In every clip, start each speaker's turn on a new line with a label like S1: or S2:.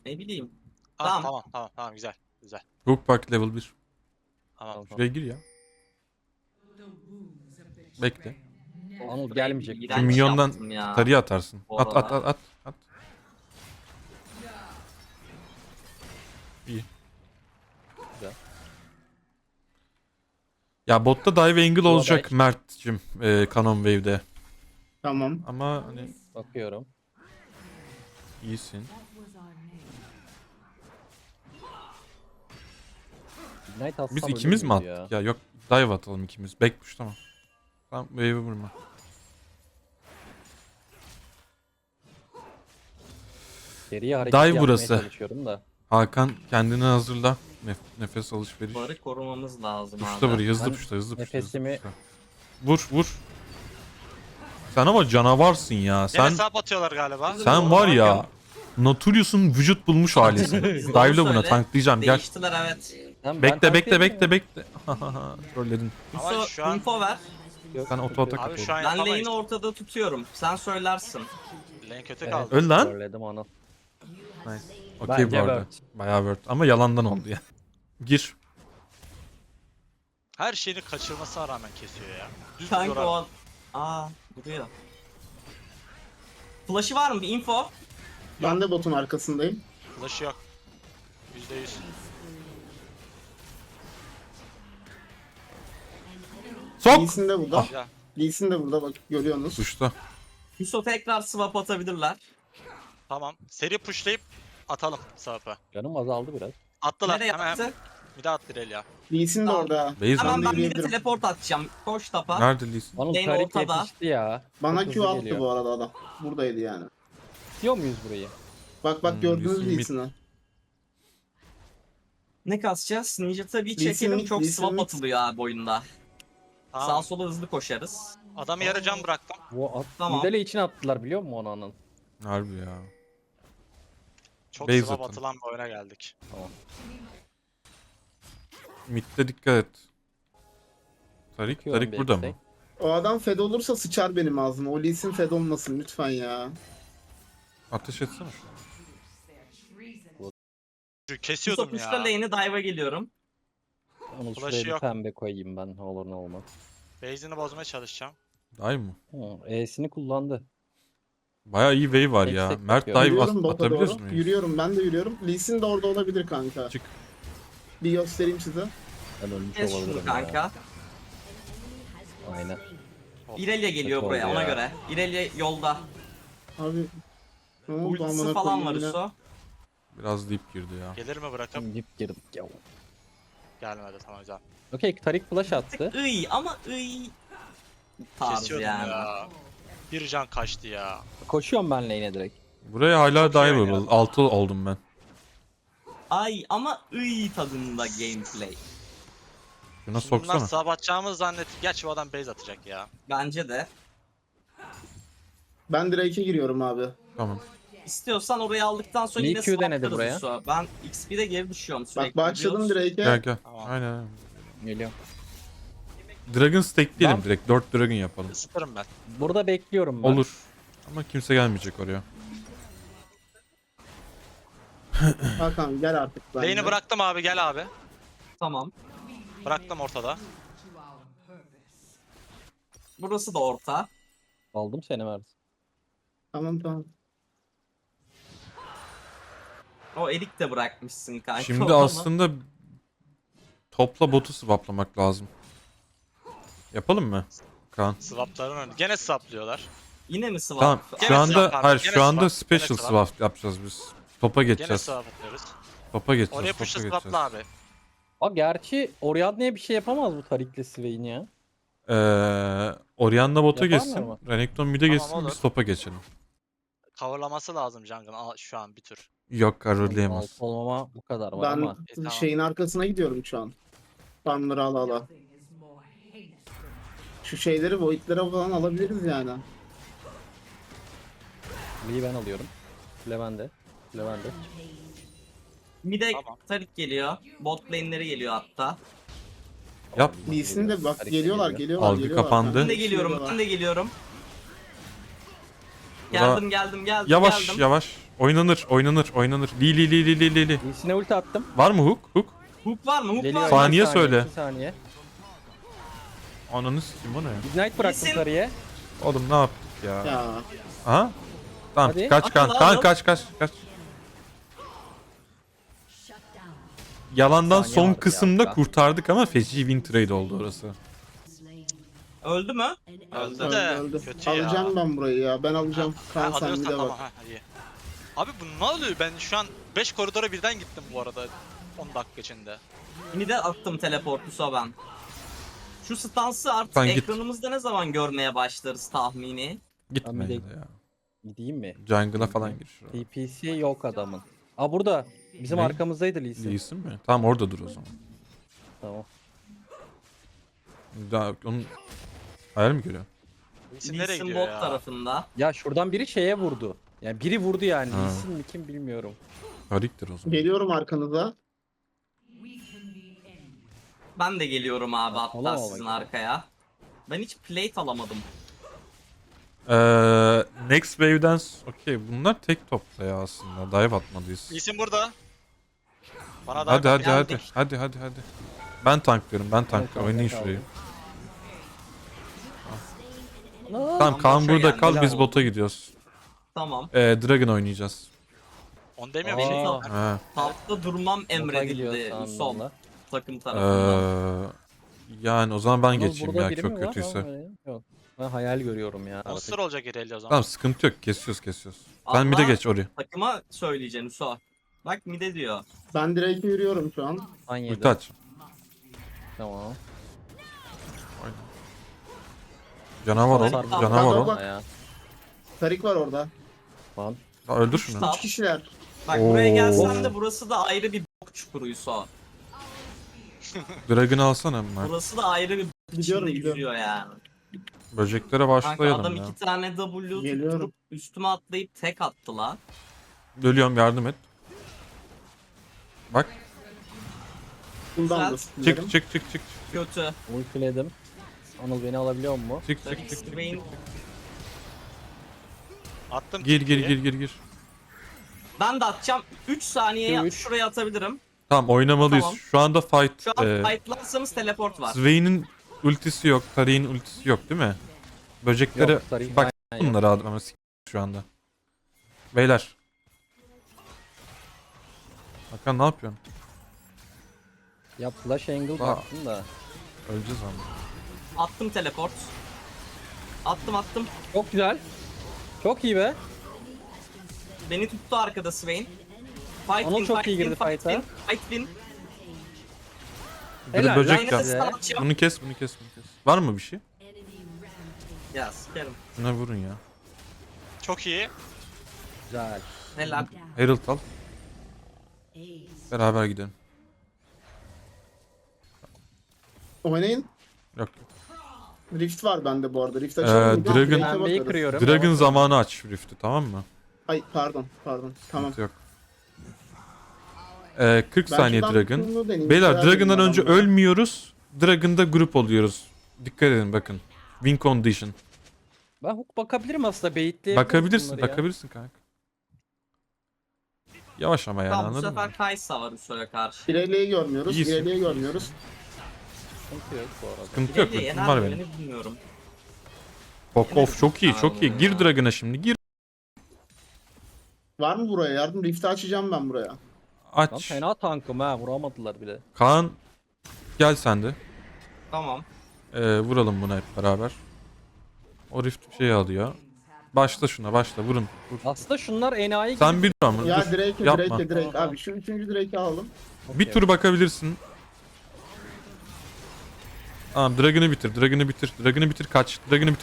S1: Ne bileyim.
S2: Ah,
S1: Tamam.
S2: tamam güzel. Güzel.
S3: Brook Park level 1.
S2: Tamam.
S3: Şuraya gir ya. Bekle.
S4: Anıl
S1: Burayı
S4: gelmeyecek.
S1: iğrenç
S3: Şu minyondan
S1: yaptım ya.
S3: tarıya atarsın.
S1: Bu
S3: At at
S1: arada.
S3: at at. İyi.
S4: Güzel.
S3: Ya botta dive angle
S4: Bu
S3: olacak
S4: aday.
S3: Mert'cim Canon Wave'de.
S5: Tamam.
S3: Ama hani
S4: Bakıyorum.
S3: iyisin.
S4: Ignite atsam
S3: Biz
S4: ölür
S3: ikimiz mi
S4: müydü
S3: attık ya? Yok dive atalım ikimiz. Back push tamam. Tamam wave'i vurma.
S4: Geriye hareket
S3: Dive
S4: yapmaya
S3: burası.
S4: çalışıyorum da.
S3: Hakan kendini hazırla. Nefes alışveriş.
S1: Barı korumamız lazım
S3: Puşla
S1: abi.
S3: burayı hızlı
S4: Ben
S3: puşla hızlı puşla.
S4: nefesimi-
S3: Vur vur. Sen ama canavarsın ya.
S2: Sen...
S3: Sen
S2: Hesap atıyorlar galiba.
S3: sen var ya Nautilus'un vücut bulmuş halisin. Dive'la buna
S1: Söyle.
S3: tanklayacağım gel.
S1: Değiştiler evet.
S4: Ben
S3: Bekle bekle
S4: tanklayabilirim
S3: bekle
S4: ya.
S3: bekle. Trolledin.
S2: Ama
S1: Yusuf
S2: şu an-
S1: info ver.
S4: Yok,
S3: Sen oto atak
S2: Abi
S3: at
S2: şu
S3: oğlum.
S2: an
S1: Ben
S2: yapamayız.
S1: lane'i ortada tutuyorum. Sen söylersin.
S2: Lane kötü
S4: Evet.
S2: kaldı.
S3: Öl lan.
S4: Trolledim Anıl.
S3: Nice. Okey bu
S4: Bence
S3: arada.
S4: word.
S3: Bayağı word. Ama yalandan oldu ya. Gir.
S2: Her şeyini kaçırmasına rağmen kesiyor ya. Düz
S1: Kanka
S2: duruyor abi.
S1: o... Aa duruyor. Flash'ı var mı? Bir info.
S5: Ben de botun arkasındayım.
S2: Flash'ı yok. %100.
S3: Sok.
S5: Lee'sin de burada.
S2: Ya.
S5: Lee'sin de burada bak görüyorsunuz.
S3: Tuşta.
S1: Yusuf tekrar swap atabilirler.
S2: Tamam. Seri pushlayıp atalım sahapa.
S4: Canım azaldı biraz.
S2: Attılar.
S1: Nereye
S2: Hemen
S1: attı?
S2: bir daha attı ya.
S5: Lee'sin de
S1: Tamam.
S5: orada.
S3: Base
S1: Hemen
S3: at.
S1: ben bir de
S5: yürüyebilirim.
S1: teleport atacağım. Koş tapa.
S3: Nerede Lee'sin?
S4: Anıl
S1: Lane
S4: Tarik
S1: ortada.
S4: yetişti ya.
S5: Bana
S4: Çok
S5: Q
S4: hızlı
S5: attı
S4: geliyor.
S5: bu arada adam. Buradaydı yani.
S4: Tutuyor muyuz burayı?
S5: Bak bak gördünüz
S3: Lee'sin mid.
S5: Lee'sini.
S1: Ne kasacağız? Ninja tabii
S5: Lee Sin
S1: çekelim.
S5: mid,
S1: Çok
S5: Lee Sin
S1: swap
S5: mid.
S1: atılıyor abi oyunda. Sağa
S2: Tamam.
S1: sola hızlı koşarız.
S2: Adamı yarı can bıraktım.
S4: Bu at
S1: Tamam.
S4: Midale için attılar biliyor musun onu Anıl?
S3: Harbi ya.
S2: Çok
S3: Base
S2: swap
S3: atın.
S2: atılan bir oyuna geldik.
S4: Tamam.
S3: Mid'de dikkat et. Tarik,
S4: Bakıyorum
S3: Tarik
S4: bir
S3: burada mı?
S4: eksik.
S5: O adam fed olursa sıçar benim ağzıma. O Lee'sin fed olmasın lütfen ya.
S3: Ateş etsene.
S2: Kesiyordum
S1: Yusuf uçta
S2: ya.
S1: lane'i dive'a geliyorum.
S4: Anıl
S2: Flash'ı
S4: şuraya bir
S2: yok.
S4: pembe koyayım ben ne olur ne olmaz.
S2: Base'ini bozmaya çalışacağım.
S3: Dive mı?
S4: E'sini kullandı.
S3: Bayağı iyi wave var ya.
S4: Eksik
S3: Mert
S4: bakıyorum.
S3: dive
S5: Yürüyorum bota
S3: atabiliyoruz
S5: doğru.
S3: muyuz?
S5: Yürüyorum ben de yürüyorum. Lee'sin de orada olabilir kanka.
S3: Çık.
S5: Bir göstereyim size.
S4: Ben ölmüş
S1: Kes
S4: olabilirim
S1: şunu
S4: ya.
S1: kanka.
S4: Aynen.
S1: Irelia geliyor
S4: Kötü
S1: buraya
S4: oldu
S1: ona
S4: ya.
S1: göre. Irelia yolda.
S5: Abi ne oldu
S1: Ultisi
S5: amına
S1: falan var
S5: koyayım yine.
S1: Uso.
S3: Biraz deep girdi ya.
S2: Gelir mi bırakıp?
S4: Dip girdik ya.
S2: Gelmedi tamam güzel.
S4: Okey Tarik flash attı.
S1: Iy ama iy. Tarz
S2: Kesiyordum
S1: yani.
S2: ya. Bir can kaçtı ya.
S4: Koşuyorum ben lane'e direkt.
S3: Buraya hala
S2: Çok iyi
S3: diveable.
S2: oynuyor.
S3: 6 oldum ben.
S1: Ay ama iy tadında gameplay.
S3: Şuna
S2: Şimdi bunlar
S3: soksana.
S2: sağ atacağımızı zannettim. Gerçi bu adam base atacak ya.
S1: Bence de.
S5: Ben Drake'e giriyorum abi.
S3: Tamam.
S1: İstiyorsan orayı aldıktan sonra
S4: Lee
S1: yine
S4: Q denedi
S1: swaplarız
S4: buraya.
S1: Uso. Ben XP'de geri düşüyorum sürekli.
S5: Bak başladım
S1: biliyorsun.
S3: Gel
S5: Drake'e.
S3: gel.
S2: Tamam.
S3: Aynen.
S4: Geliyorum.
S3: Dragon stack diyelim
S4: Ben-
S3: direkt. 4 dragon yapalım.
S2: Isıtırım ben.
S4: Burada bekliyorum ben.
S3: Olur. Ama kimse gelmeyecek oraya.
S5: Hakan gel artık bence.
S2: Lane'i bıraktım abi gel abi.
S1: Tamam.
S2: Bıraktım ortada.
S1: Burası da orta.
S4: Aldım seni Mert.
S5: Tamam tamam.
S1: O elik de bırakmışsın kanka.
S3: Şimdi
S1: onu.
S3: aslında topla botu swaplamak lazım. Yapalım mı? Kaan.
S2: Swapların önü. Gene swaplıyorlar.
S1: Yine mi swap?
S3: Tamam.
S2: Gene
S3: Şu anda
S2: swap abi,
S3: hayır
S2: gene
S3: şu anda
S2: swap,
S3: special
S2: gene swap.
S3: swap yapacağız biz. Topa
S2: Gene
S3: geçeceğiz.
S2: swap atıyoruz.
S3: Topa geçeceğiz.
S2: Oraya
S3: Topa
S2: push'la
S3: geçeceğiz.
S2: swapla abi.
S4: Aa gerçi Orianna'ya bir şey yapamaz bu Tarik'le Swain ya.
S3: Orianna bota
S4: Yaparlar
S3: geçsin.
S4: mı?
S3: Renekton mid'e
S2: Tamam,
S3: geçsin
S2: olur.
S3: biz topa geçelim.
S2: Coverlaması lazım jungle'ın şu an bir tür.
S3: Yok karoleyemez.
S4: Alt olmama bu kadar var
S5: Ben
S4: ama.
S2: Tamam.
S5: şeyin arkasına gidiyorum şu an. Farmları ala ala. Şu şeyleri void'lere falan alabiliriz yani.
S4: Lee'yi ben alıyorum. Levende. Levende.
S1: Mide
S2: Tamam.
S1: Tarik geliyor. Bot lane'leri geliyor hatta.
S3: Yap.
S5: Lee'sin de bak
S4: Tarik
S5: geliyorlar
S4: geliyor.
S5: geliyorlar.
S3: Algı
S5: geliyorlar.
S3: kapandı.
S1: Ben de geliyorum. Ben de geliyorum.
S3: Bura-
S1: Geldim.
S3: Yavaş
S1: geldim.
S3: yavaş. Oynanır. Li.
S4: Lee'sine ulti attım.
S3: Var mı hook?
S1: Hook var mı? Hook
S4: Geliyor.
S1: var mı?
S3: Saniye
S4: Bir
S3: söyle.
S4: 2 saniye.
S3: Ananı sikeyim o ne?
S4: Ignite bıraktım
S1: Lee'sin-
S4: sarıya.
S3: Oğlum ne yaptık ya?
S5: Ya.
S3: Aha. Tamam
S4: Hadi.
S3: kaç kan.
S1: Hadi
S3: Kan
S1: lan.
S3: kaç. Yalandan
S4: Saniye
S3: son
S4: vardı
S3: kısımda
S4: ya.
S3: kurtardık ama feci win trade oldu orası.
S1: Öldü mü?
S2: Öldü
S1: Öldü.
S2: de
S5: Öldü.
S2: kötü ya.
S5: Alacağım ben burayı ya. Ben alacağım.
S2: Ha,
S5: Kaan sen
S2: alıyorsan
S5: bir de
S2: tamam
S5: bak.
S2: ha iyi. Abi bu ne oluyor? Ben şu an 5 koridora birden gittim bu arada 10 dakika içinde.
S1: Mide attım teleportusa ben. Şu stansı artık
S3: Sen git.
S1: ekranımızda ne zaman görmeye başlarız tahmini?
S3: Gitme
S4: Ben bir
S3: ya.
S4: de- Gideyim mi?
S3: Jungle'a falan gir. şuraya.
S4: TPC yok adamın. Aa burada. Bizim
S3: Ne?
S4: arkamızdaydı Lee Sin.
S3: Değilsin mi? Tamam orada dur o zaman.
S4: Tamam.
S3: Daha onun hayal mi görüyor?
S2: İsim nereye
S1: Lee'sin
S2: gidiyor
S1: bot
S2: ya?
S1: tarafında.
S4: Ya şuradan biri şeye vurdu. Yani biri vurdu yani.
S3: Ha.
S4: Lee Sin mi kim bilmiyorum.
S3: Hariktir o zaman.
S5: Geliyorum arkanıza.
S1: Ben de geliyorum abi hatta
S4: Alamam
S1: sizin
S4: bak.
S1: arkaya. Ben hiç plate alamadım.
S3: Next wave'den okey bunlar tek topta ya aslında. Dive atmalıyız.
S2: İsim burada. Bana da
S3: Hadi. Ben tanklıyorum.
S4: Tamam,
S3: Oynayın
S4: kaldım.
S3: şurayı.
S4: Aa,
S3: Tamam Kaan
S1: boşa
S3: burada
S1: geldi,
S3: kal
S1: helal
S3: biz
S1: olsun.
S3: bota gidiyoruz.
S1: Tamam.
S3: Dragon oynayacağız.
S2: Onu demiyor
S4: Aa.
S2: şey.
S3: Ha.
S1: Tapta durmam
S4: bota
S1: emredildi
S4: gidiyor
S1: sol
S4: sandım
S1: takım tarafından.
S3: Yani o zaman ben
S4: da.
S3: geçeyim
S4: Burada
S3: ya
S4: biri
S3: çok
S4: mi var?
S3: kötüyse.
S4: Ama yok. Ben hayal görüyorum ya.
S2: Monster olacak Irelia o zaman.
S3: Tamam sıkıntı yok. Kesiyoruz. Sen
S1: Allah.
S3: bir de geç oraya.
S1: Takıma söyleyeceksin Uso. Bak mide diyor.
S5: Ben direkt yürüyorum şu an.
S4: An
S3: Ulti aç.
S4: Tamam.
S3: Canavar ol.
S1: Sarı-
S3: Canavar ol.
S5: Bak.
S4: Ya.
S5: Tarik var orada.
S4: Lan.
S3: Ya öldür şunu.
S1: Tamam.
S5: 3 kişiler.
S1: Bak buraya
S3: Oo.
S1: gelsen de burası da ayrı bir bok çukuru Uso.
S3: Dragon'ı alsana hemen.
S1: Burası da ayrı bir bok
S5: Gidiyorum,
S1: içinde
S5: gidiyorum.
S1: yüzüyor yani.
S3: Böceklere
S1: Kanka
S3: başlayalım
S1: adam
S3: ya.
S1: 2 tane W
S5: Geliyorum.
S1: tutturup üstüme atlayıp tek attı la.
S3: Ölüyorum yardım et. Bak.
S5: Bundan da
S1: Güzel.
S3: Çık.
S1: Kötü.
S4: Ultiledim. Anıl beni alabiliyor mu?
S3: Çık.
S1: Swain.
S2: Attım.
S3: Gir.
S2: TP'yi.
S1: Ben de atacağım. 3 saniyeye
S4: Üç.
S1: şuraya atabilirim.
S3: Tamam oynamalıyız.
S1: Tamam.
S3: Şu anda fight.
S1: Şu an fightlarsanız teleport var.
S3: Swain'in ultisi yok. Tari'nin ultisi yok değil mi? Böceklere
S4: Yok, Tariq
S3: bak
S4: aynen yok.
S3: bunları aldım ama şu anda. Beyler. Hakan ne yapıyorsun?
S4: Ya flash angle baktım da.
S3: Öleceğiz ama.
S1: Attım teleport. Attım.
S4: Çok güzel. Çok iyi be.
S1: Beni tuttu arkada Swain. Fight
S4: Anıl
S1: win,
S4: çok iyi girdi
S1: fight
S4: fight'a.
S1: win, fight win.
S3: Bir de
S4: Helal,
S3: böcek
S1: Line'e
S3: yap.
S4: Güzel.
S1: stun atacağım.
S3: Bunu kes. Var mı bir şey?
S1: Ya sikerim.
S3: Şuna vurun ya.
S2: Çok iyi.
S4: Güzel.
S1: Helal.
S3: Herald al. Beraber gidelim.
S5: Oynayın.
S3: Yok.
S5: Rift var bende bu arada. Rift açalım. mı?
S3: Dragon-
S5: Rift'e
S4: Pembeyi
S5: bakarız.
S4: kırıyorum.
S3: Dragon zamanı aç Rift'i tamam mı?
S5: Ay pardon. Tamam.
S3: Sıkıntı yok. 40
S5: Ben
S3: saniye
S5: şuradan
S3: Dragon.
S5: bunu deneyeyim.
S3: Beyler
S5: Güzel
S3: Dragon'dan
S5: deneyim
S3: önce
S5: adamları.
S3: ölmüyoruz. Dragon'da grup oluyoruz. Dikkat edin bakın. Win condition.
S4: Ben hook bakabilirim aslında. Baitleyebiliriz
S3: Bakabilirsin
S4: bunları ya.
S3: bakabilirsin kanka. Yavaş ama yani
S1: Tamam bu
S3: anladın mı?
S1: sefer Kaysa var Uso'ya karşı.
S5: İleriye görmüyoruz.
S3: İyisin.
S5: İleriye görmüyoruz.
S4: Sıkıntı yok bu arada.
S3: Sıkıntı yok.
S1: Bileği
S3: Ultim
S1: yener
S3: var
S1: mi
S3: benim.
S1: beni bilmiyorum.
S3: Fuck off çok iyi çok iyi. Gir Dragon'a şimdi gir.
S5: Var mı buraya yardım? Rift'i açacağım ben buraya.
S4: Lan
S3: Aç.
S4: fena tankım ha. Vuramadılar bile.
S3: Kaan gel sen de.
S1: Tamam.
S3: Vuralım buna hep beraber. O rift bir şey alıyor. Başla şuna başla vurun. Vur.
S4: Aslında şunlar enayi
S3: Sen
S4: gibi.
S3: bir dur ama
S5: Ya
S3: dur.
S5: Drake'e
S3: Yapma.
S5: Drake. Abi şu 3. Drake'i aldım.
S3: Bir tur bakabilirsin. Tamam Dragon'ı bitir. Dragon'ı bitir kaç.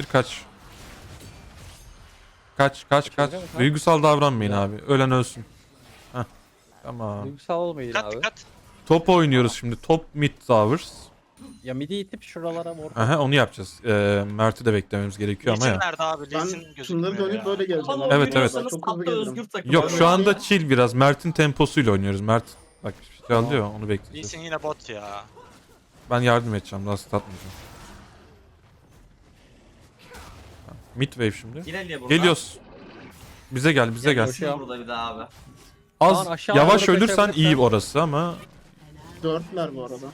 S3: Kaç.
S4: Kaçıracağım ha.
S3: Duygusal davranmayın
S4: Ya.
S3: abi. Ölen ölsün. Heh. Tamam.
S4: Duygusal olmayın
S2: Dikkat
S4: abi.
S2: dikkat.
S3: Top oynuyoruz şimdi. Top mid towers.
S4: Ya midi itip şuralara vur.
S3: Aha onu yapacağız. Mert'i de beklememiz gerekiyor ama
S2: Lee'sin
S3: ya.
S2: nerede abi?
S5: Ben
S2: Lee'sin
S5: şunları
S2: gözükmüyor
S5: dönüp
S2: ya.
S5: böyle geleceğim.
S1: Ama
S5: abi.
S3: Evet, evet.
S1: oynuyorsanız
S5: Çok hızlı
S1: hatta
S5: gelirim.
S1: özgür takım.
S3: Yok şu anda
S5: Öyle-
S3: chill biraz. Mert'in temposuyla oynuyoruz. Mert bak bir şey alıyor onu bekleyeceğiz.
S2: Lee'sin yine bot ya.
S3: Ben yardım edeceğim. Daha statmayacağım. Mid wave şimdi.
S1: İlerliye burada.
S3: Geliyoruz. Bize gel bize gel.
S4: Koşuyor.
S1: Burada bir daha abi.
S3: Az
S4: Kaan aşağı
S3: yavaş
S4: doğru
S3: ölürsen iyi
S4: kaçabilirsen.
S3: orası ama
S5: Dörtler bu arada.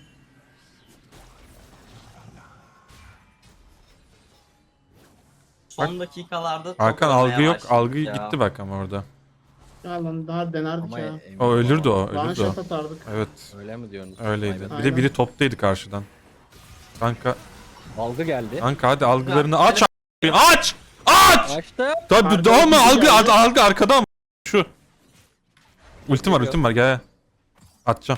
S1: Son dakikalarda çok
S3: Hakan
S1: ölmeye
S3: algı yok.
S1: başladık
S3: Algı
S1: ya.
S3: gitti bak ama orada.
S5: Ya lan daha denerdik
S4: Ama
S5: ya.
S3: O ölürdü o.
S5: One
S3: Ölürdü o.
S5: shot atardık.
S3: Evet.
S4: Öyle mi diyorsunuz?
S3: Öyleydi.
S4: Vay be.
S3: Bir de
S5: Aynen.
S3: biri toptaydı karşıdan. Kanka.
S4: Algı geldi.
S3: Kanka hadi algılarını aç. Aç! Aç!
S4: Açtı.
S3: Tabii
S5: Arkadan
S3: daha mı?
S5: biri
S3: Algı,
S5: geldi.
S3: algı arkada mı? Şu. Ultim var, ultim var. Gel. Atacağım.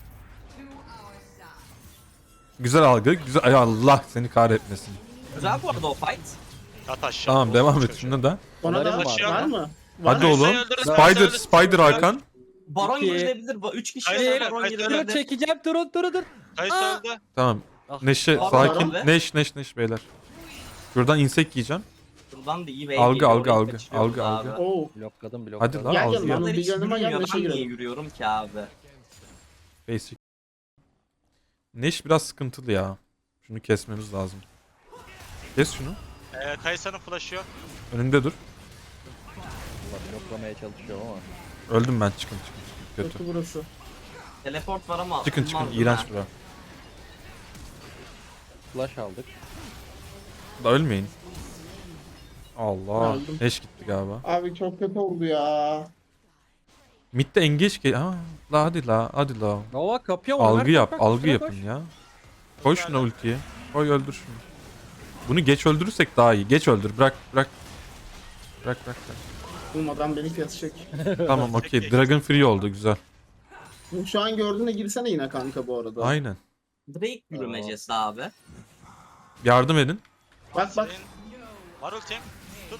S3: Güzel algı. Güzel. Ay Allah seni kahretmesin.
S1: Güzel bu arada o fight.
S2: At aşağı.
S3: Tamam
S2: Oğlum
S3: devam et
S2: çocuğu.
S3: şuna da.
S5: Ona da
S4: Onların
S5: var,
S2: var.
S5: mı? Var
S3: Hadi
S5: mı?
S3: oğlum.
S2: Kayse'yi öldürün,
S3: Spider,
S2: Kayse'yi öldürün.
S3: Spider Hakan.
S1: Baron
S4: İki.
S1: girilebilir. 3 kişi
S2: Hayır,
S1: Baron
S2: hayır,
S4: Dur
S1: girilebilir.
S4: çekeceğim dur.
S2: Kayse
S4: Aa!
S2: öldü.
S3: Tamam.
S4: Ah.
S3: Neşe
S1: Baron
S3: sakin.
S1: abi.
S3: Neş beyler. Şuradan insek yiyeceğim.
S1: Buradan da iyi ve
S3: Algı,
S1: geliyor,
S3: algı,
S1: orayı
S3: algı,
S1: kaçırıyoruz
S3: algı,
S1: abi.
S3: algı.
S5: Oo.
S4: Blokladım.
S3: Hadi lan
S5: Gel,
S3: algı
S5: gel
S3: yap.
S5: lan.
S1: Bunlar hiç
S5: Bir yanıma gel,
S1: yürümüyor.
S5: Neşe
S1: Ben niye
S5: girelim.
S1: yürüyorum ki abi?
S3: Basic. Neş biraz sıkıntılı ya. Şunu kesmemiz lazım. Kes şunu.
S2: Kayse'nin flash'ı yok.
S3: Önünde dur.
S4: Bloklamaya çalışıyorum ama.
S3: Öldüm ben. Çıkın. Kötü.
S5: Kötü burası.
S1: Teleport var ama
S3: Çıkın.
S1: olmaz değil
S3: İğrenç
S1: mi?
S3: bura.
S4: Flash aldık.
S3: Da ölmeyin. Allah.
S5: Öldüm.
S3: Neş gitti galiba.
S5: Abi çok kötü oldu ya.
S3: Mid'de engage gel. Ha, la hadi la. Hadi la.
S4: Nova kapıyor mu?
S3: Algı
S4: Ömer,
S3: yap.
S4: koş,
S3: Algı
S4: şuna
S3: yapın
S4: koş.
S3: ya. Koy şuna ultiyi. Koy öldür şunu. Bunu geç öldürürsek daha iyi. Geç öldür. Bırak. Bırak.
S5: Bulmadan beni kesecek.
S3: Tamam okey. Dragon Free oldu. Güzel.
S5: Şu an gördüğüne girsene yine kanka bu arada.
S3: Aynen.
S1: Drake yürümecesi abi.
S3: Yardım edin.
S5: Bak.
S2: Senin var ultim. Tut.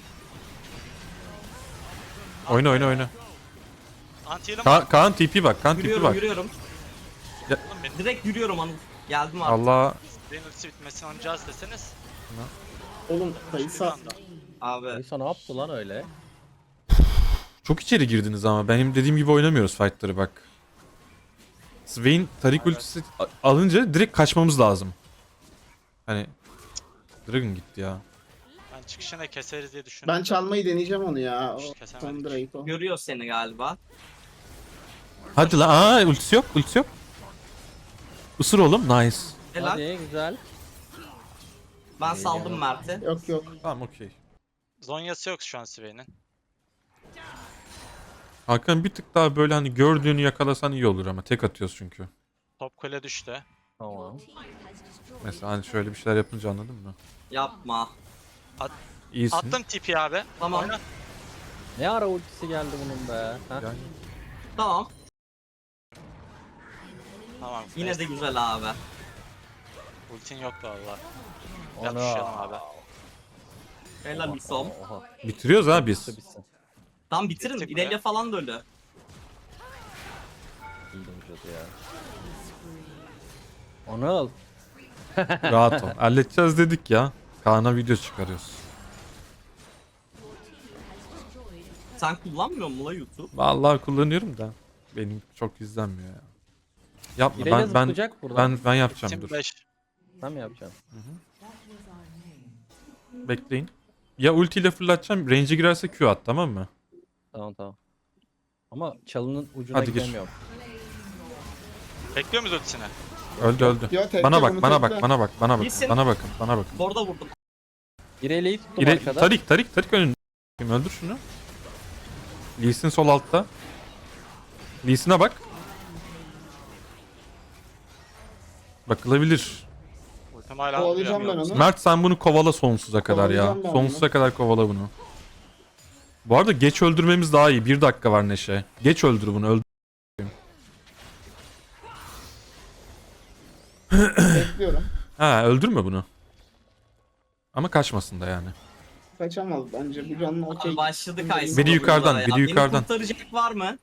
S3: Oyna.
S2: Anti-heal'ım var.
S3: Kaan TP bak. Kaan TP
S1: Yürüyorum
S3: bak.
S1: yürüyorum.
S2: Oğlum benim
S1: Direkt yürüyorum Anıl. Geldim artık.
S3: Allah.
S2: benim ultisi bitmesini oynayacağız deseniz.
S5: Oğlum
S2: Bir
S5: Kaysa.
S2: anda.
S1: Abi.
S4: Neyse ne yaptı lan öyle?
S3: Çok içeri girdiniz ama. Benim dediğim gibi oynamıyoruz fightları bak. Swain Tarik
S2: Evet.
S3: ultisi alınca direkt kaçmamız lazım. Hani Dragon gitti ya.
S2: Ben çıkışına keseriz diye düşündüm.
S5: Ben çalmayı deneyeceğim onu ya. O
S2: Kesemedik.
S5: Tom Drake o.
S1: Görüyor seni galiba.
S3: Hadi la. Aa ultisi yok. Isır oğlum. Nice.
S1: Helal.
S4: Hadi güzel.
S1: Ben saldım Mert'i.
S5: Yok.
S3: Tamam okey.
S2: Zonyası yok şu an Swain'in.
S3: Hakan bir tık daha böyle hani gördüğünü yakalasan iyi olur ama tek atıyoruz çünkü.
S2: Top kule düştü.
S4: Tamam.
S3: Mesela hani şöyle bir şeyler yapınca anladın mı?
S1: Yapma.
S3: İyisin.
S2: Attım TP abi.
S1: Tamam.
S2: Oyna.
S4: Ne ara ultisi geldi bunun be? Ha?
S3: Yani
S1: Tamam.
S2: Tamam.
S1: Yine de güzel abi.
S2: Ultin yoktu valla.
S4: Ana.
S2: Yapışalım abi.
S1: Helal Isom.
S4: Oha.
S3: bitiriyoruz ha biz.
S4: Bitsin.
S1: Tam bitirin.
S2: Bitecek
S1: İrelia falan da ölü.
S4: İyi cadı ya. Anıl.
S3: Rahat ol. Halledeceğiz dedik ya. Kaan'a video çıkarıyoruz.
S1: Sen kullanmıyor musun la YouTube?
S3: Vallahi kullanıyorum da benim çok izlenmiyor ya. Yapma
S4: İrelia
S3: ben
S4: zıplayacak buradan.
S3: ben yapacağım
S2: Ultim
S3: dur.
S2: 5.
S4: Sen mi yapacaksın?
S3: Bekleyin. Ya ultiyle fırlatacağım. Range'e girerse Q at tamam mı?
S4: Tamam. Ama çalının ucuna
S3: Hadi gir.
S4: gidemiyorum.
S2: Bekliyor muyuz ultisini?
S3: Öldü.
S5: Yo, tekle
S3: Bana bak,
S5: bunu
S3: bana
S5: tekle.
S3: bak, bana bak, bana bakın,
S1: Gitsin.
S3: bana bakın, bana bakın.
S1: Orada vurdum.
S4: İrelia'yı tuttum arkada.
S3: Tarik önünde. Öldür şunu. Lee Sin sol altta. Lee Sin'e bak.
S2: Bakılabilir. Ultim hala
S5: Kovalayacağım ben
S2: duruyor.
S5: onu.
S3: Mert sen bunu kovala sonsuza kadar ya.
S5: Kovalayacağım ben
S3: Sonsuza kadar kovala bunu. Bu arada geç öldürmemiz daha iyi. 1 dakika var Neşe. Geç öldür bunu. Öldür.
S5: Bekliyorum.
S3: Ha öldürme bunu. Ama kaçmasın da yani.
S5: Kaçamaz bence. Bu canlı okey.
S1: Abi başladı Kaysa.
S3: Biri yukarıdan,
S1: burada ya.
S3: biri yukarıdan.
S1: Beni kurtaracak var mı?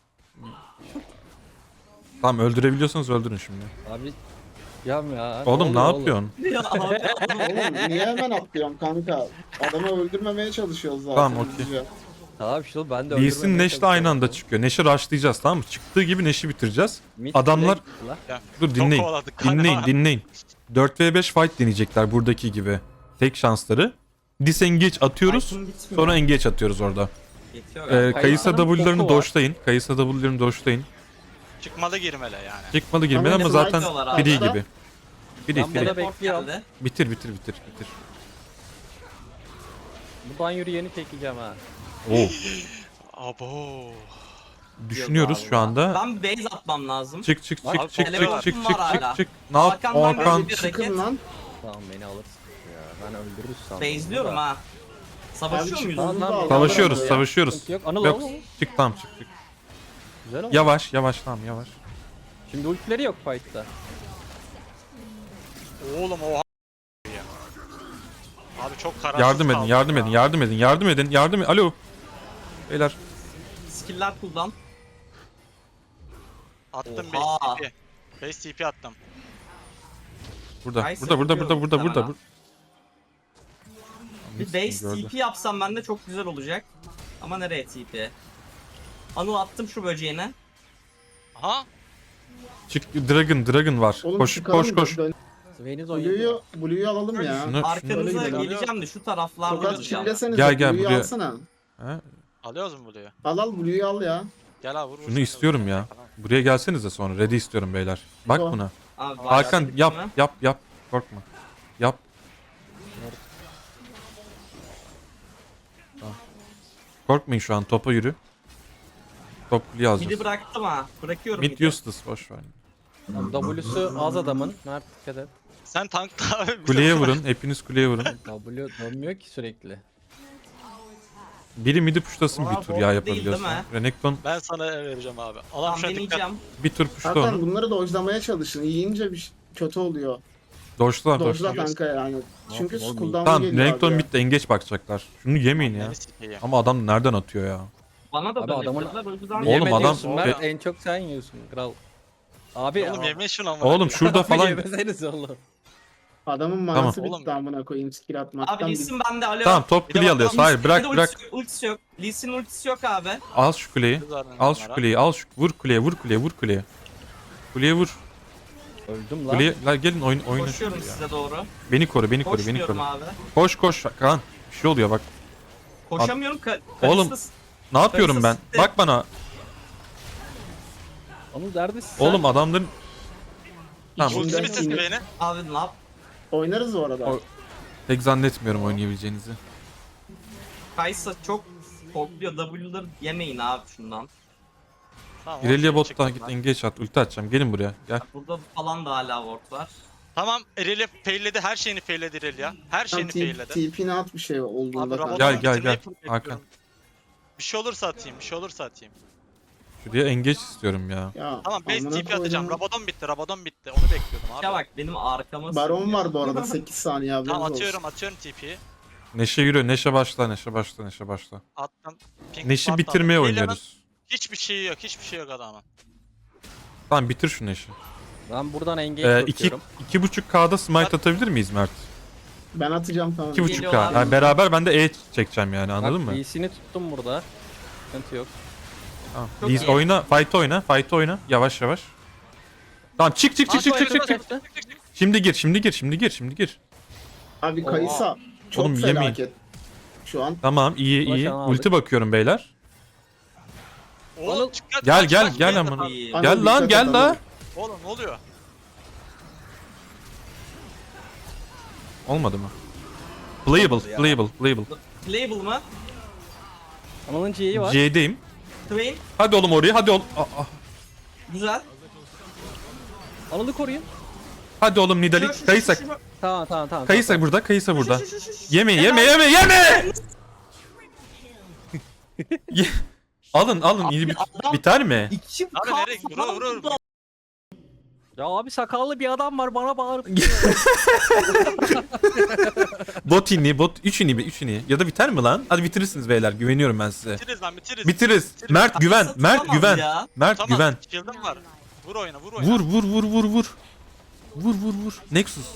S3: Tamam öldürebiliyorsanız öldürün şimdi.
S4: Abi ya.
S3: Oğlum ne
S4: oluyor
S3: yapıyorsun?
S1: Ya abi adam
S5: Oğlum niye hemen atlıyorum kanka? Adamı öldürmemeye çalışıyoruz zaten.
S3: Tamam, okey.
S5: hızlıca.
S4: Tamam şu ben de
S3: Lee Sin Neş'le aynı anda çıkıyor. Neş'i rushlayacağız tamam mı? Çıktığı gibi Neş'i bitireceğiz. Adamlar- Dur
S2: Çok
S3: dinleyin.
S2: kovaladık galiba.
S3: Dinleyin. 4v5 fight deneyecekler buradaki gibi. Tek şansları. Disengage atıyoruz.
S1: Item bitmiyor.
S3: Sonra engage atıyoruz orada.
S1: Yetiyor galiba.
S3: Kayısa
S4: Kayısa'nın
S3: W'larını
S4: boku var.
S3: doşlayın. Kayısa W'larını doşlayın.
S2: Çıkmalı girmeli yani.
S3: Çıkmalı girmeli ama
S5: Ama
S3: zaten
S1: Smite
S3: free
S5: diyorlar
S3: gibi. Free
S4: Ben
S3: free.
S4: burada
S1: Teleport
S4: bekliyorum.
S1: geldi.
S3: Bitir.
S4: Buradan yürüyeni çekeceğim ha.
S3: Oo.
S2: Abo.
S3: Düşünüyoruz
S4: Yok
S3: şu
S4: abi.
S3: anda.
S1: Ben base atmam lazım.
S3: Çık.
S2: Abi, teleportum
S1: var hala.
S3: Ne yap?
S1: Hakan'dan
S3: Hakan.
S1: böyle bir
S5: Çıkın
S1: hareket.
S5: lan.
S4: Tamam beni alırsın ya. Ben öldürürüz sandım.
S1: Base'liyorum ha. Savaşıyor
S5: Abi
S1: muyuz?
S5: çıkmaz.
S4: Tamam,
S3: Savaşıyoruz,
S5: Ya.
S3: savaşıyoruz.
S4: Sıkıntı yok. Anıl
S3: Yok.
S4: al.
S3: Çık tamam çık.
S4: Güzel oldu.
S3: Yavaş tamam yavaş.
S4: Şimdi ultileri yok fight'ta.
S2: Oğlum oha. Abi çok kararsız
S3: Yardım edin,
S2: kaldım
S3: yardım
S2: ya.
S3: edin. Alo. Beyler.
S1: Skill'ler cooldown.
S2: Attım
S1: Oha.
S2: 5 TP. 5 TP attım.
S3: Burada.
S1: Kaysa
S3: Burada.
S1: vuruyor muhtemelen. Bir base
S3: Gördü.
S1: TP yapsam ben de çok güzel olacak. Ama nereye TP? Anıl attım şu böceğine.
S2: Aha.
S3: Çık Dragon var.
S5: Oğlum
S3: Koş
S5: çıkalım
S3: koş
S5: da
S3: koş.
S5: dön-
S4: Swain'iz oynuyor.
S5: Blue'yu alalım ya.
S3: Şunu-
S1: Arkanıza
S5: öyle gidelim.
S1: geleceğim de şu taraflarda
S5: Tokat
S1: olacağım.
S5: çillesenize.
S3: Gel,
S5: Blue'yu
S3: buraya.
S5: alsana.
S3: Ha,
S2: Alıyoruz mu Blue'yu?
S5: Al Blue'yu al ya.
S2: Gel abi vur.
S3: şunu istiyorum ya. Buraya gelsenize sonra. Ready istiyorum beyler. Bak
S5: Tamam.
S3: buna.
S1: Abi,
S3: Hakan
S1: başladık
S3: yap
S1: mı?
S3: yap. Korkma. Yap. Tamam. Korkmayın şu an. Topa yürü. Top kuleye
S1: Midi
S3: alacağız.
S1: bıraktım ha. Bırakıyorum
S3: Mid
S1: midi.
S3: useless boş ver.
S4: W'su az adamın. Mert dikkat et.
S2: Sen tankta abi. bize
S3: Kuleye
S2: bırak.
S3: vurun. Hepiniz kuleye vurun.
S4: W dönmüyor ki sürekli.
S3: Biri midi puşlasın bir
S1: Aa,
S3: tur
S1: bot
S3: ya
S1: değil,
S3: yapabiliyorsan.
S1: değil mi?
S3: Renekton
S2: Ben sana vereceğim abi. Allah'ım
S1: Tamam
S2: şuna dikkat.
S1: deneyeceğim.
S3: bir tur puşla
S5: Zaten
S3: onu.
S5: bunları dojlamaya çalışın. Yiyince kötü oluyor.
S3: Doşla
S5: Dojla
S3: doşla.
S5: kanka yani. Çünkü
S4: yapayım oğlum?
S5: cooldown'a
S3: Tamam
S5: geliyor
S3: Renekton
S5: abi.
S3: bitti engeç bakacaklar. Şunu yemeyin ya.
S2: Beni sikeyim.
S3: Ama adam nereden atıyor ya?
S1: Bana da
S4: Abi
S1: dönebilirler. O yüzden
S3: Oğlum
S4: Yeme
S3: adam-
S4: diyorsun Mert,
S3: E-
S4: en çok sen yiyorsun kral. Abi
S2: Oğlum yemeyin şunu ama.
S3: Oğlum şurada
S4: Abi
S3: falan.
S4: yemeseniz oğlum.
S5: Adamın manası
S2: Tamam.
S5: bitti amına koyayım skill atmaktan.
S1: Abi Lee Sin bende alo.
S3: Tamam top
S2: Bir de
S3: kuleyi
S2: bak-
S3: alıyoruz. Hayır
S1: Bir
S3: bırak
S1: de
S3: bırak.
S1: ultisi yok. Lee Sin ultisi yok abi.
S3: Al şu kuleyi. Al şu kuleyi. Al şu. Vur kuleye vur kuleye vur kuleye. Kuleye vur.
S4: Öldüm lan.
S3: Kuleye. La gelin oyna
S1: Koşuyorum
S3: şunu ya.
S1: size doğru.
S3: Beni koru beni koru beni
S1: Koşmuyorum
S3: koru.
S1: abi.
S3: Koş Kaan. Bir şey oluyor bak.
S1: Koşamıyorum.
S3: Oğlum,
S1: Kayıtsız.
S3: Ne yapıyorum ben?
S1: Kayıtsız sitte.
S3: Bak bana.
S4: Onun neredesin sen?
S3: Oğlum adamların. Tamam.
S5: İçinde-
S2: Ultimi sesi beni.
S1: Abi ne yap?
S5: Oynarız bu arada.
S3: O- Pek zannetmiyorum oynayabileceğinizi.
S1: Kaysa çok kokluyor. W'ları yemeyin abi şundan.
S2: Tamam,
S3: İrelia
S2: ultimi
S3: botta
S2: çektim
S3: git
S2: ben.
S3: engage at. Ulti atacağım. Gelin buraya. Gel.
S1: Burada falan da hala ward var.
S2: Tamam Irelia failledi. Her şeyini failledi Irelia. Her
S5: Tam
S2: şeyini failledi.
S5: TP'ne at bir şey
S2: Abi
S5: olduğunda
S2: Rabadon
S5: kanka.
S3: Gel,
S2: bitirmeyi full
S3: Hakan.
S2: bekliyorum. Bir şey olursa atayım. Bir şey olursa atayım.
S3: Şuraya engage istiyorum ya.
S5: Ya,
S2: Tamam base
S5: amına
S2: TP atacağım.
S5: koydum.
S2: Rabadon bitti. Rabadon bitti. Onu bekliyordum abi.
S1: Ya bak benim arkama
S5: Baron
S1: sığınıyor.
S5: var bu arada 8 saniye haberiniz
S2: Tamam
S5: olsun.
S2: atıyorum TP'yi.
S3: Neşe yürü. Neşe başla. Neşe başla.
S2: Attım. Pink
S3: Neşi
S2: Panther.
S3: bitirmeye
S2: Irelia'nın
S3: oynuyoruz.
S2: Hiçbir şeyi yok. Hiçbir şey yok adamın.
S3: Tamam bitir şu Neşi.
S4: Ben buradan engage
S3: İki,
S4: bakıyorum.
S3: 2.5K'da smite atabilir miyiz Mert?
S5: Ben atacağım tamam.
S3: 2.5K.
S1: Geliyorlar.
S3: Yani beraber ben de E çekeceğim yani anladın
S4: Bak,
S3: mı?
S4: Lee'sini tuttum burada. Sıkıntı yok.
S3: Tamam.
S1: Çok
S3: Liz
S1: iyi.
S3: oyna, fight oyna. Yavaş. Tamam çık.
S4: Kaçtı.
S3: Şimdi gir.
S5: Abi
S4: Oha.
S5: Kayısa çok
S3: Oğlum, yemeyin.
S5: felaket. Şu an
S3: Tamam iyi.
S4: Ulaşan aldık.
S3: Ulti bakıyorum beyler.
S2: Oğlum çıkart.
S3: Gel,
S2: kaç,
S3: gel,
S2: kaç,
S3: gel
S2: kaç,
S3: amına.
S2: kaç.
S1: İyi.
S5: Anıl,
S3: Gel lan
S5: dikkat
S3: gel
S5: et,
S3: la.
S5: Anıl.
S2: Oğlum ne oluyor?
S3: Olmadı mı? Playable.
S1: Playable mı?
S4: Anıl'ın C'yi var.
S3: C'deyim.
S1: Twain.
S3: Hadi oğlum oraya hadi oğlum.
S1: Güzel.
S4: Anıl'ı koruyun.
S3: Hadi oğlum Nidali. Kayısa.
S4: Tamam.
S3: Kayısa burada. Kayısa.
S1: Şu.
S3: Yeme. Ye- alın iyi biter mi?
S1: İki
S2: Abi
S1: kalk
S2: nereye?
S1: falan
S2: Vur.
S1: burada.
S4: Ya abi sakallı bir adam var bana bağırıp
S3: Bot 3 ini ya da biter mi lan? Hadi bitirirsiniz beyler güveniyorum ben size.
S2: Bitiririz lan bitiririz.
S3: Bitiririz. Mert güven.
S1: Satılamaz ya.
S3: Mert
S2: Tamam.
S3: güven.
S2: Shield'ım var. Vur oyna.
S3: Vur. Nexus.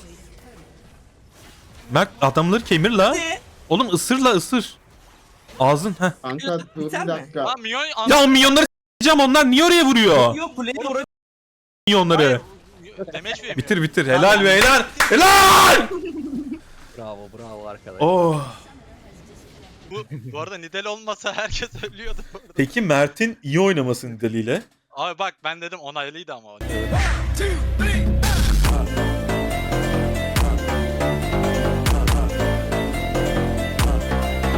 S3: Mert adamları kemir la.
S1: Ne?
S3: Oğlum ısır. Ağzın heh.
S5: Kanka dur bir
S1: Biter mi?
S5: dakika.
S2: Lan Minyon
S3: Ya o minyonları s**eceğim onlar niye oraya vuruyor?
S1: Yok playable oraya.
S3: Minyonları.
S2: Demeç veremiyor.
S3: Bitir. Helal be helal. Helal.
S4: Bravo arkadaş.
S3: Oh.
S2: Bu arada Nidal olmasa herkes ölüyordu bu arada.
S6: Peki Mert'in iyi oynaması nedeniyle
S2: Abi bak ben dedim onaylıydı ama o.